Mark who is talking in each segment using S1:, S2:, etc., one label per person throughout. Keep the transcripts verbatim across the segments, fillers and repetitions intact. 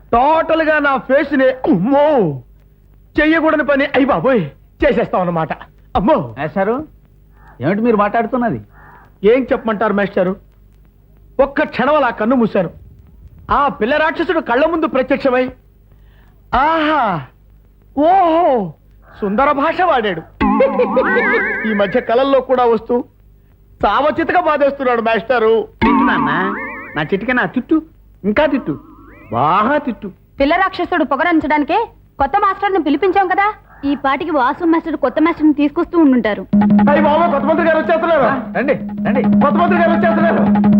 S1: Total గా నా face ని అమ్మో చెయ్యకూడని పని అయ్యి బాబోయ్ చేసేస్తాం అన్నమాట. అమ్మో
S2: మేస్టారు, ఏమిటి మీరు మాట్లాడుతున్నది?
S1: ఏం చెప్పమంటారు మేస్టారు? ఒక్క క్షణం అలా కన్ను మూశాను. ఆ పిల్ల రాక్షసుడు కళ్ళ ముందు ప్రత్యక్షమై ఆహా ఓహో సుందర భాష వాడాడు. ఈ మధ్య కళల్లో కూడా వస్తూ సావచితగా బాధేస్తున్నాడు మాస్టారు.
S2: తిట్టు నాన్న, నా చిటిక నా తిట్టు, ఇంకా తిట్టు, బాగా తిట్టు.
S3: పిల్ల రాక్షసుడు పొగరంచడానికే కొత్త మాస్టర్ని పిలిపించాం కదా. ఈ పాటికి వాసు మాస్టర్ కొత్త మాస్టర్ని తీసుకొస్తూ ఉండుంటారు.
S1: అయ్యి బాబా, కొత్త మంత్రి గారు వచ్చేస్తున్నారు.
S2: రండి రండి,
S1: కొత్త మంత్రి గారు వచ్చేస్తున్నారు.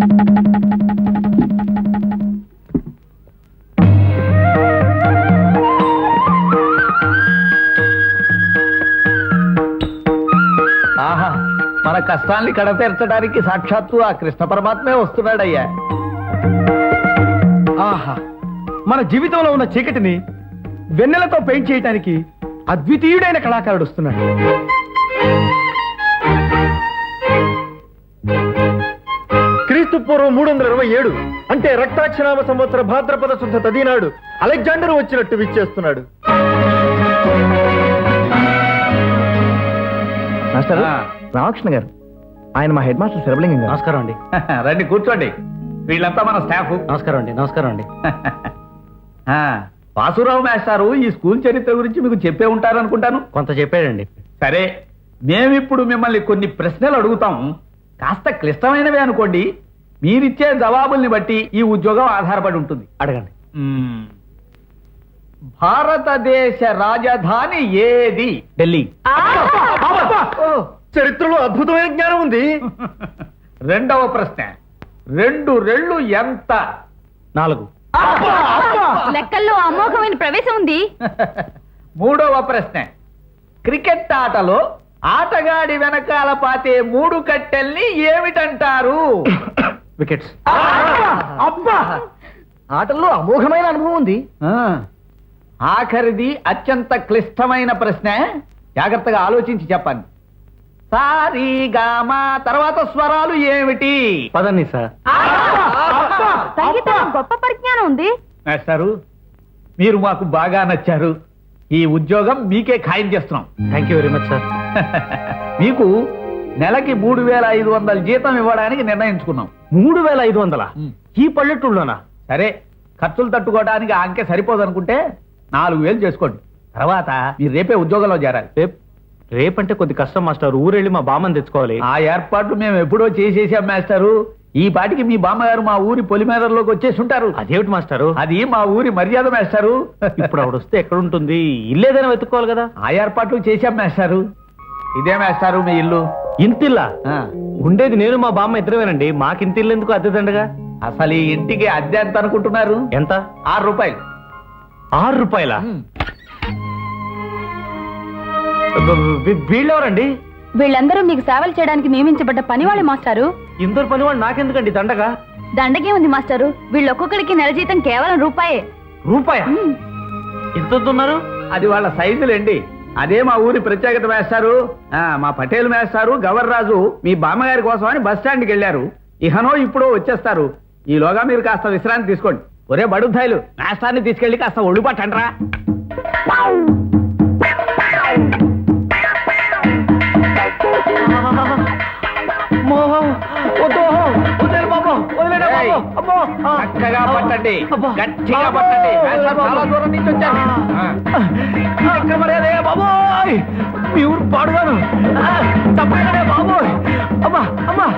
S2: ఆహా, మన కష్టాల్ని కడతీర్చడానికి సాక్షాత్తు ఆ కృష్ణ పరమాత్మే వస్తున్నాడయ్యా.
S1: ఆహా, మన జీవితంలో ఉన్న చీకటిని వెన్నెలతో పెయింట్ చేయడానికి అద్వితీయుడైన కళాకారుడు వస్తున్నాడు. క్రీస్తు పూర్వం మూడు వందల ఇరవై ఏడు అంటే రక్తాక్షరామ సంవత్సర భాద్రపద శుద్ధ తదినాడు అలెగ్జాండర్ వచ్చినట్టు విచ్చేస్తున్నాడు. మాస్టర్ రామకృష్ణ గారు, ఆయన మా హెడ్ మాస్టర్ శరభలింగం గారు.
S2: నమస్కారం అండి. రండి కూర్చోండి. వీళ్ళంతా మన స్టాఫ్.
S1: నమస్కారం అండి. నమస్కారం అండి.
S2: వాసురావు మేస్టారు ఈ స్కూల్ చరిత్ర గురించి మీకు చెప్పే ఉంటారు అనుకుంటాను.
S1: కొంత చెప్పాడండి.
S2: సరే, మేమిప్పుడు మిమ్మల్ని కొన్ని ప్రశ్నలు అడుగుతాం. కాస్త క్లిష్టమైనవే అనుకోండి. మీరిచ్చే జవాబుల్ని బట్టి ఈ ఉద్యోగం ఆధారపడి ఉంటుంది.
S1: అడగండి.
S2: భారతదేశ రాజధాని ఏది?
S1: ఢిల్లీ. చరిత్రలో అద్భుతమైన జ్ఞానం ఉంది.
S2: రెండవ ప్రశ్న, రెండు రెళ్ళు ఎంత?
S1: నాలుగు.
S3: లెక్కల్లో అమోఘమైన ప్రవేశం ఉంది.
S2: మూడవ ప్రశ్న, క్రికెట్ ఆటలో ఆటగాడి వెనకాల పాతే మూడు కట్టెల్ని ఏమిటంటారు?
S1: వికెట్స్. అబ్బా, ఆటల్లో అమోఘమైన అనుభవం ఉంది.
S2: ఆఖరిది అత్యంత క్లిష్టమైన ప్రశ్న. జాగ్రత్తగా ఆలోచించి చెప్పండి. సారీ గామా తర్వాత స్వరాలు ఏమిటి?
S1: పదండి సార్.
S3: సంగీతం గొప్ప పరిజ్ఞానం ఉంది.
S2: మాస్టారు, మీరు మాకు బాగా నచ్చారు. ఈ ఉద్యోగం మీకే ఖాయం చేస్తున్నాం.
S1: Thank you very much sir.
S2: మీకు నెలకి మూడు వేల ఐదు వందల జీతం ఇవ్వడానికి నిర్ణయించుకున్నాం.
S1: మూడు వేల ఐదు వందల ఈ పల్లెటూళ్ళలోనా?
S2: సరే, ఖర్చులు తట్టుకోవడానికి ఆ అంకె సరిపోదనుకుంటే నాలుగు వేలు చేసుకోండి. తర్వాత మీరు రేపే ఉద్యోగంలో చేరాలి.
S1: రేపు రేపంటే కొద్ది కష్టం మాస్టర్. ఊరెళ్ళి మా బామ్మని తెచ్చుకోవాలి.
S2: ఆ ఏర్పాట్లు మేము ఎప్పుడో చేసేసాం మాస్టారు. ఈ పాటికి మీ బామ్మగారు మా ఊరి పొలిమేరలోకి వచ్చేసి ఉంటారు.
S1: అదేమిటి మాస్టారు?
S2: అది మా ఊరి మర్యాద మాస్టారు.
S1: ఇప్పుడు ఆవిడ వస్తే ఎక్కడుంటుంది? ఇల్లేదైనా వెతుక్కోవాలి కదా.
S2: ఆ ఏర్పాట్లు చేశాం మాస్టారు. ఇదే మాస్టారు మీ ఇల్లు.
S1: ఇంతిల్లా? ఉండేది నేను మా బామ్మ ఇద్దరమేనండి. మాకింతిల్లు ఎందుకు అద్దె దండగా?
S2: అసలు ఈ ఇంటికి అద్దె ఎంత అనుకుంటున్నారు?
S1: ఎంత?
S2: ఆరు రూపాయలు.
S1: ఆరు రూపాయల? వీళ్ళెవరండి?
S3: వీళ్ళందరూ మీకు సేవలు చేయడానికి నియమించబడ్డ పనివాళ్ళే మాస్టారు.
S1: ఇందరు పనివాళ్ళు నాకెందుకండి దండగా?
S3: దండగే ఉంది మాస్టారు. వీళ్ళు ఒక్కొక్కడికి నెల జీతం కేవలం రూపాయే.
S1: రూపాయ? ఎంత ఉన్నారు?
S2: అది వాళ్ళ సైజులేండి. అదే మా ఊరి ప్రత్యేకత మేస్తారు. మా పటేల్ మేస్తారు గవర్రాజు మీ బామ్మగారి కోసం అని బస్ స్టాండ్కి వెళ్ళారు. ఇహనో ఇప్పుడు వచ్చేస్తారు. ఈలోగా మీరు కాస్త విశ్రాంతి తీసుకోండి. ఒరే బడుద్దాయిలు, మేస్తాన్ని తీసుకెళ్ళి కాస్త ఒళ్ళు పట్టండ్రా. చక్కగా పట్టండి, గట్టిగా పట్టండి. చాలా దూరం నుంచి వచ్చాను.
S1: బాబోయ్, మీ ఊరు పాడుగాను తప్పే బాబోయ్. అమ్మా అమ్మా.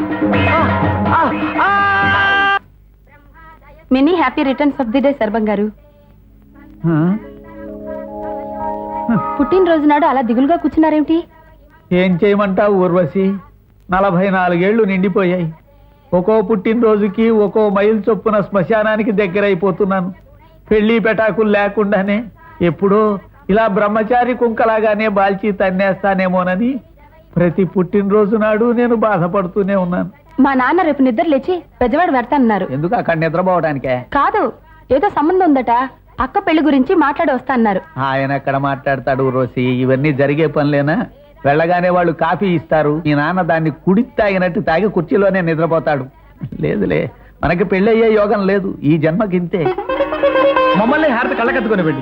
S3: Many happy returns of the day Sarvam గారు. పుట్టినరోజు నాడు అలా దిగులుగా కూర్చున్నారేమిటి?
S2: ఏం చేయమంటావు ఊర్వశి? నలభై నాలుగేళ్లు నిండిపోయాయి. ఒక్కో పుట్టినరోజుకి ఒక్కో మైలు చొప్పున శ్మశానానికి దగ్గరైపోతున్నాను. పెళ్లి పెటాకులు లేకుండానే ఎప్పుడో ఇలా బ్రహ్మచారి కుంకలాగానే బాల్చి తన్నేస్తానేమోనని ప్రతి పుట్టినరోజు నాడు నేను బాధపడుతూనే ఉన్నాను.
S3: మా నాన్న రేపు నిద్ర లేచి పెద్దవాడు పెడతానన్నారు.
S2: ఎందుకు? అక్కడ నిద్రపోవడానికే?
S3: కాదు, ఏదో సంబంధం ఉందట. అక్క పెళ్లి గురించి మాట్లాడి వస్తా అన్నారు.
S2: ఆయన ఎక్కడ మాట్లాడతాడు రోసి? ఇవన్నీ జరిగే పనులేనా? వెళ్ళగానే వాళ్ళు కాఫీ ఇస్తారు. ఈ నాన్న దాన్ని కుడి తాగినట్టు తాగి కుర్చీలోనే నిద్రపోతాడు. లేదులే, మనకి పెళ్లి అయ్యే యోగం లేదు ఈ జన్మకింతే.
S1: మా మమ్మల్ని హారతి కళ్ళకత్తుకొని వెళ్ళి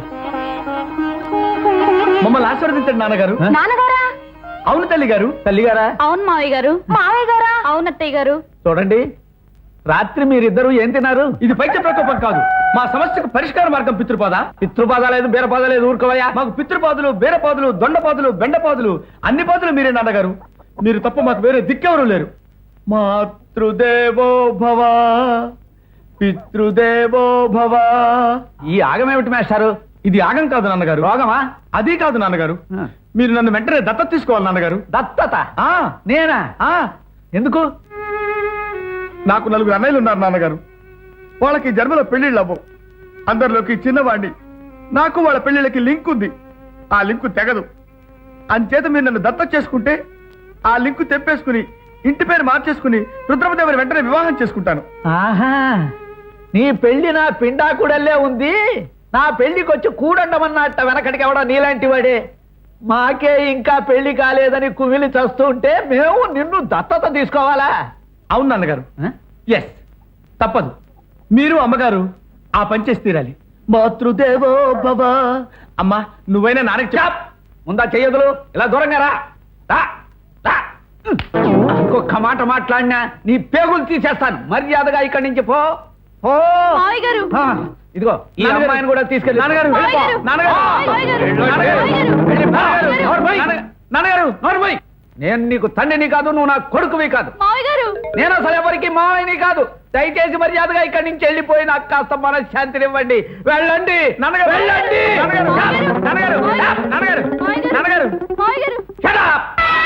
S1: మమ్మల్ని ఆశీర్వదించండి నాన్నగారు.
S3: నాన్నగారా?
S1: అవును తల్లి గారు.
S2: తల్లి గారా?
S3: అవును మావయ్య గారు. మావయ్య గారా? అవును అత్తయ్య గారు.
S2: చూడండి, రాత్రి మీరిద్దరు ఏం తిన్నారు?
S1: ఇది పైత్య ప్రకోపం కాదు, మా సమస్యకు పరిష్కార మార్గం పితృపాద.
S2: పితృపాద లేదు, బీరపాద లేదు, ఊరుకోవయ్యా.
S1: మాకు పితృపాదులు, బీరపాదులు, దొండపాదులు, బెండపాదులు, అన్ని పాదులు మీరే నాన్నగారు. మీరు తప్ప మాకు వేరే దిక్కెవరూ లేరు. మాతృదేవో భవ, పితృదేవో భవ.
S2: ఈ ఆగమేమిటి మేస్టారు?
S1: ఇది ఆగం కాదు నాన్నగారు.
S2: రోగమా?
S1: అది కాదు నాన్నగారు.
S2: ఆ.
S1: మీరు నన్ను వెంటనే దత్తత తీసుకోవాలి నాన్నగారు.
S2: దత్తత?
S1: ఆ
S2: నేనా?
S1: ఆ
S2: ఎందుకు?
S1: నాకు నలుగురు అన్నయ్యలు ఉన్నారు నాన్నగారు. వాళ్ళకి జన్మలో పెళ్లిళ్ళు అవ్వవు. అందరిలోకి చిన్నవాడిని. నాకు వాళ్ళ పెళ్లిళ్ళకి లింక్ ఉంది. ఆ లింకు తెగదు. అంచేత మీరు నన్ను దత్త చేసుకుంటే ఆ లింకు తెప్పేసుకుని ఇంటి పేరు మార్చేసుకుని రుద్రమదేవుని వెంటనే వివాహం చేసుకుంటాను.
S2: ఆహా, నీ పెళ్లి నా పిండాకుడల్లే ఉంది. నా పెళ్లికి వచ్చి కూడండమన్నట్ట వెనకటికి ఎవడా నీలాంటి వాడే. మాకే ఇంకా పెళ్లి కాలేదని కుమిలి చస్తూ ఉంటే మేము నిన్ను దత్తత తీసుకోవాలా?
S1: అవును నాన్నగారు. ఎస్, తప్పదు. మీరు అమ్మగారు ఆ పని చేసి తీరాలి. మాతృదేవో భవ. అమ్మా, నువ్వైనా నాన్నకి
S2: చాప్! ముందా చెయ్యదులు, ఇలా దూరంగా రా. రా, రా. ఇంకొక మాట మాట్లాడినా నీ పేగులు తీసేస్తాను. మర్యాదగా ఇక్కడి నుంచి పో. పో.
S3: మావయ్య గారు.
S2: ఆ, ఇదిగో ఈ
S1: నాన్నగారు.
S2: అమ్మాయిని కూడా తీసుకెళ్ళి.
S1: నాన్నగారు,
S2: వెళ్ళిపో.
S3: మావయ్య గారు.
S2: నాన్నగారు.
S3: మావయ్య గారు.
S2: నాన్నగారు.
S3: మావయ్య గారు.
S2: వెళ్ళిపో.
S3: మావయ్య గారు.
S2: నోరు మూయ్.
S1: నాన్న- నాన్నగారు
S2: నోరు మూయ్. నేను నీకు తండ్రిని కాదు, నువ్వు నా కొడుకువి కాదు.
S3: మావయ్య గారు.
S2: నేను అసలు ఎవరికి మావయ్యని కాదు. దయచేసి మర్యాదగా ఇక్కడి నుంచి వెళ్ళిపోయి నాకు కాస్త మనశ్శాంతినివ్వండి. వెళ్ళండి
S1: నాన్నగారు.
S2: వెళ్ళండి.
S1: నాన్నగారు. నాన్నగారు. నాన్నగారు. నాన్నగారు.
S3: మావయ్య గారు.
S2: Shut up!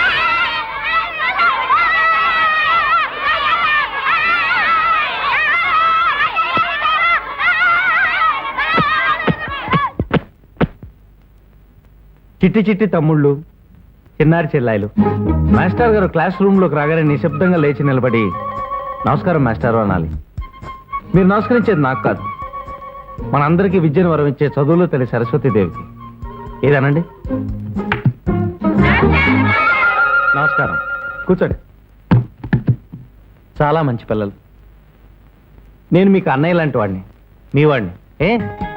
S4: చిట్టి చిట్టి తమ్ముళ్ళు, చిన్నారి చెల్లాయిలు. మాస్టర్ గారు క్లాస్ రూమ్ లోకి రాగానే నిశ్శబ్దంగా లేచి నిలబడి నమస్కారం మాస్టర్ అనాలి. మీరు నమస్కరించేది నాకు కాదు, మనందరికీ విద్యను వరమించే చదువులో తల్లి సరస్వతీదేవికి. ఏదనండి? నమస్కారం, కూర్చోండి. చాలా మంచి పిల్లలు. నేను మీకు అన్నయ్య లాంటి వాడిని, మీ వాడిని. ఏ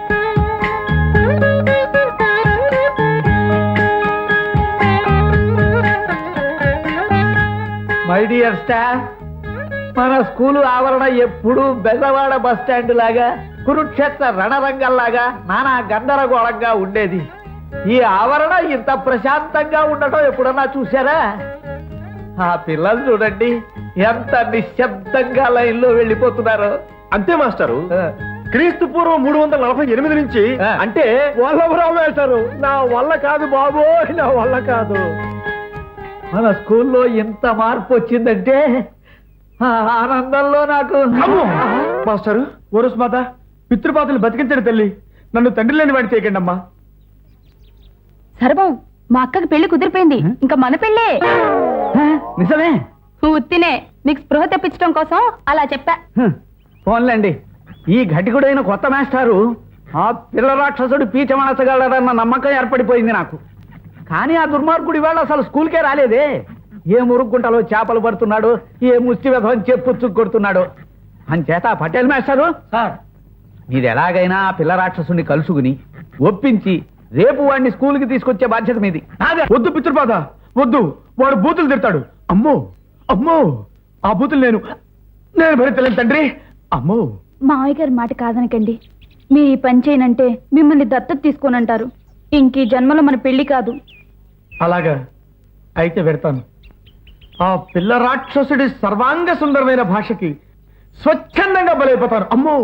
S2: మై డియర్ స్టాఫ్, మన స్కూలు ఆవరణ ఎప్పుడు బెజవాడ బస్ స్టాండ్ లాగా, కురుక్షేత్ర రణరంగంలాగా నానా గందరగోళంగా ఉండేది. ఈ ఆవరణ ఇంత ప్రశాంతంగా ఉండటం ఎప్పుడన్నా చూసారా? ఆ పిల్లలు చూడండి ఎంత నిశ్శబ్దంగా లైన్లో వెళ్ళిపోతున్నారు.
S1: అంతే మాస్టారు. క్రీస్తు పూర్వం మూడు వందల నలభై ఎనిమిది నుంచి
S2: ఆ.
S1: అంటే వల్లభరావు వేశారు. నా వల్ల కాదు బాబు, నా వల్ల కాదు.
S2: మన స్కూల్లో ఇంత మార్పు వచ్చిందంటే ఆ ఆనందంలో నాకు
S1: అమ్మో! మాస్టారు, ఓరస్ మాత, పితృపాతలు బతికించండి తల్లి. నన్ను తండ్రి లేని వాడి చేయకండి అమ్మా.
S3: సర్వం, మా అక్కకి పెళ్లి కుదిరిపోయింది. ఇంకా మన పెళ్ళే.
S2: ఆ, నిజమే.
S3: ఉత్తినే మీకు స్పృహ తెప్పించడం కోసం అలా చెప్పా.
S2: హ్మ్. పోన్లేండి, ఈ ఘటికుడైన కొత్త మాస్టారు ఆ పిల్ల రాక్షసుడు పీచమనసగలడన్న నమ్మకం ఏర్పడిపోయింది నాకు. కానీ ఆ దుర్మార్గుడు ఇవాళ అసలు స్కూల్కే రాలేదే. ఏ మురుగుంటలో చేపలు పడుతున్నాడు, ఏ ముష్టి వ్యధం చెప్పుచ్చు కొడుతున్నాడు. అంచేత ఆ పటేల్ మాస్టారు
S1: సార్,
S2: మీరు ఎలాగైనా ఆ పిల్ల రాక్షసుని కలుసుకుని ఒప్పించి రేపు వాడిని స్కూల్కి తీసుకొచ్చే బాధ్యత మీది.
S1: నాదే. వద్దు పితృపాద, వద్దు. వాడు బూతులు తిడతాడు. అమ్మో అమ్మో, ఆ బూతులు నేను నేను భరించలేను తండ్రి. అమ్మో.
S3: మావయ్య గారి మాట కాదనకండి. మీరు ఈ పని చేయనంటే మిమ్మల్ని దత్తత తీసుకోనంటారు. ఇంక ఈ జన్మలో మన పెళ్లి కాదు.
S1: అలాగా అయితే పెడతాను. ఆ పిల్ల రాక్షసుడి సర్వాంగ సుందరమైన భాషకి స్వచ్ఛందంగా బలైపోతాను. అమ్మో.